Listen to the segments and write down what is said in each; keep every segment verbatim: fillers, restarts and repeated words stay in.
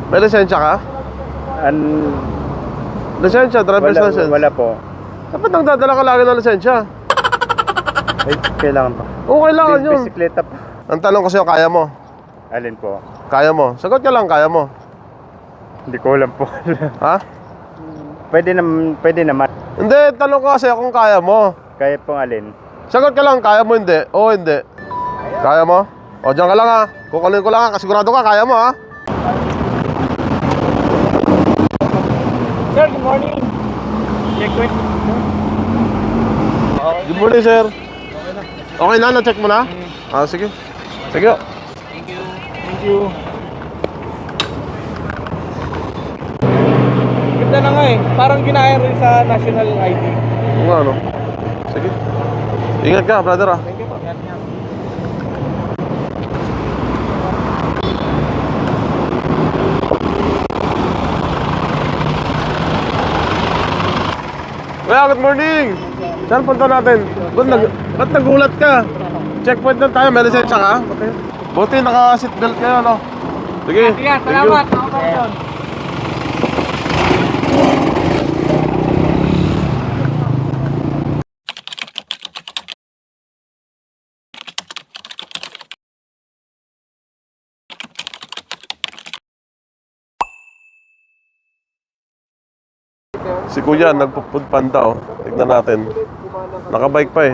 May lisensya ka? An... Lisensya, driver's Wala, license? wala po. Dapat nagdadala ka lagi ng lisensya. Ay, kailangan pa. Oo, kailangan yun. Bisikleta po. Ang tanong ko sa'yo, kaya mo? Alin po? Kaya mo? Sagot ka lang, kaya mo? Hindi ko alam po. Ha? Pwede naman, pwede naman. Hindi, tanong ko kasi kung kaya mo. Kaya pong alin? Sagot ka lang, kaya mo hindi? Oo, hindi. Kaya mo? O, dyan ka lang ha. Kukunin ko lang ha, kasigurado ka, kaya mo ha. Sir, good morning. Check with. Good morning, sir. Okay na, na-check mo na? Ah, sige. Sige. Thank you. Thank you. Ganda na nga eh. Parang ginaya rin sa national I D. Oo nga, ano? Sige. Ingat ka, brother ah. Thank you po. Kuya, good morning! Saan punta natin? Ba't, nag ba't nagulat ka? Checkpoint na tayo, may lisensya ka? Okay. Buti naka-seatbelt kayo, no? Sige, Sige, salamat. Ako pa rin. Si Kuya, nagpo-food panda, oh. Tignan natin. Nakabike pa eh.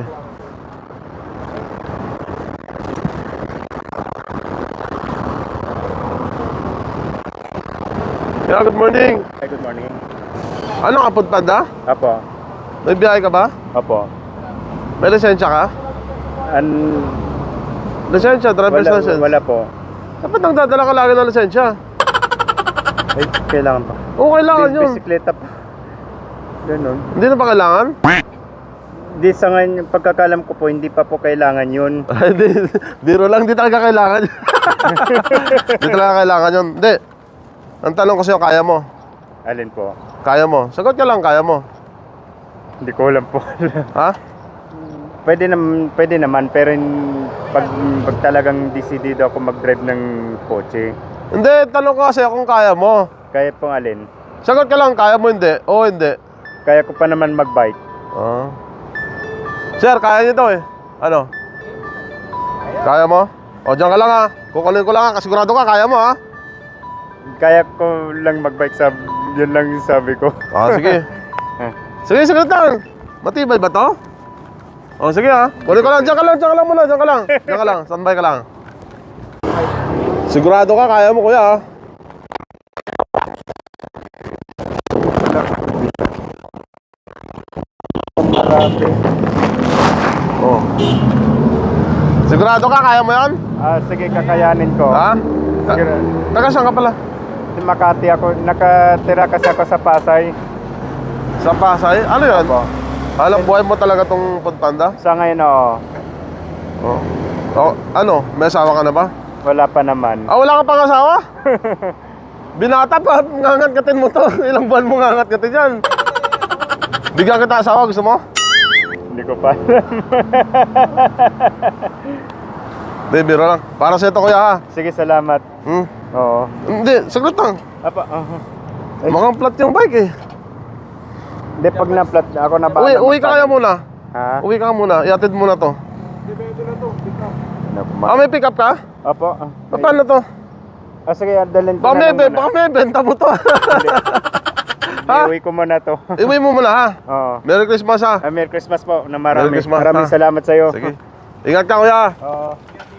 Yeah, good morning. Hi, good morning. Ano ka, food panda? Apo. May biyahe ka ba? Apo. May lisensya ka? An... Lisensya, driver's Wala, license? wala po. Dapat nagdadala ka lagi ng lisensya. Ay, kailangan pa. Oo, kailangan yun. Bisikleta po. Ganun. Hindi na ba kailangan? Di sa ngayon, pagkakalam ko po, hindi pa po kailangan yun. Ay, di, biro lang, di talaga kailangan. Di talaga kailangan yun. Hindi. Ang tanong ko sa'yo, kaya mo? Alin po? Kaya mo? Sagot ka lang, kaya mo? Hindi ko alam po. Ha? Pwede naman, pwede naman, pero in- pag, pag talagang decidido ako mag-drive ng kotse, Hindi, tanong ko kasi kung kaya mo. kaya pong alin. Sagot ka lang, kaya mo hindi? Oo, hindi. Kaya ko pa naman mag-bike. Ah. Sir, kaya niyo daw eh. Ano? Kaya mo? O, dyan ka lang ha. Kukunin ko lang ha. Kasigurado ka, kaya mo ha. Kaya ko lang mag-bike, sa, yun lang yung sabi ko. Ah, sige. Sige, sige lang. Matibay ba to? O, sige ha. Kunin ko lang. Dyan ka lang, dyan ka lang muna. Dyan ka lang. Dyan ka lang. Standby ka lang. Sigurado ka, kaya mo kuya ha. Oh. Sigurado ka, kaya mo yan? Ah, sige, kakayanin ko. Ha? Sige. Taga saan ka pala? Di Makati ako, nakatira kasi ako sa Pasay. Sa Pasay? Ano yan? Opo. Alam, buhay mo talaga tong Food Panda? Sa ngayon, oo. Oh. Oh, ano? May asawa ka na ba? Wala pa naman. Ah, wala ka pang asawa? Binata pa, ngangatkatin mo to. Ilang buwan mo ngangatkatin yan. Bigyan kita asawa, gusto mo? Hindi ko pa. Hindi, biro lang. Para sa ito kuya ha. Sige, salamat. Hmm? Oo. Hindi, saglit lang. Apa, uh Mukhang flat yung bike eh. Hindi, pag na-flat, ako na ba? Uwi, uwi ka kaya muna. Ha? Uwi ka muna, iatid muna to. Ano, Ah, may pick up ka? Opo. ah, Pa- Paano to? Ah, sige, dalhin ko Baka na may, lang be- muna. baka may benta mo to. Ha? Iuwi ko muna to. Iuwi mo muna ha. Oo. Merry Christmas ha. Ah, Merry Christmas po na marami. Merry Christmas, Maraming ha? salamat sa'yo. Sige. Ingat ka kuya. Oo.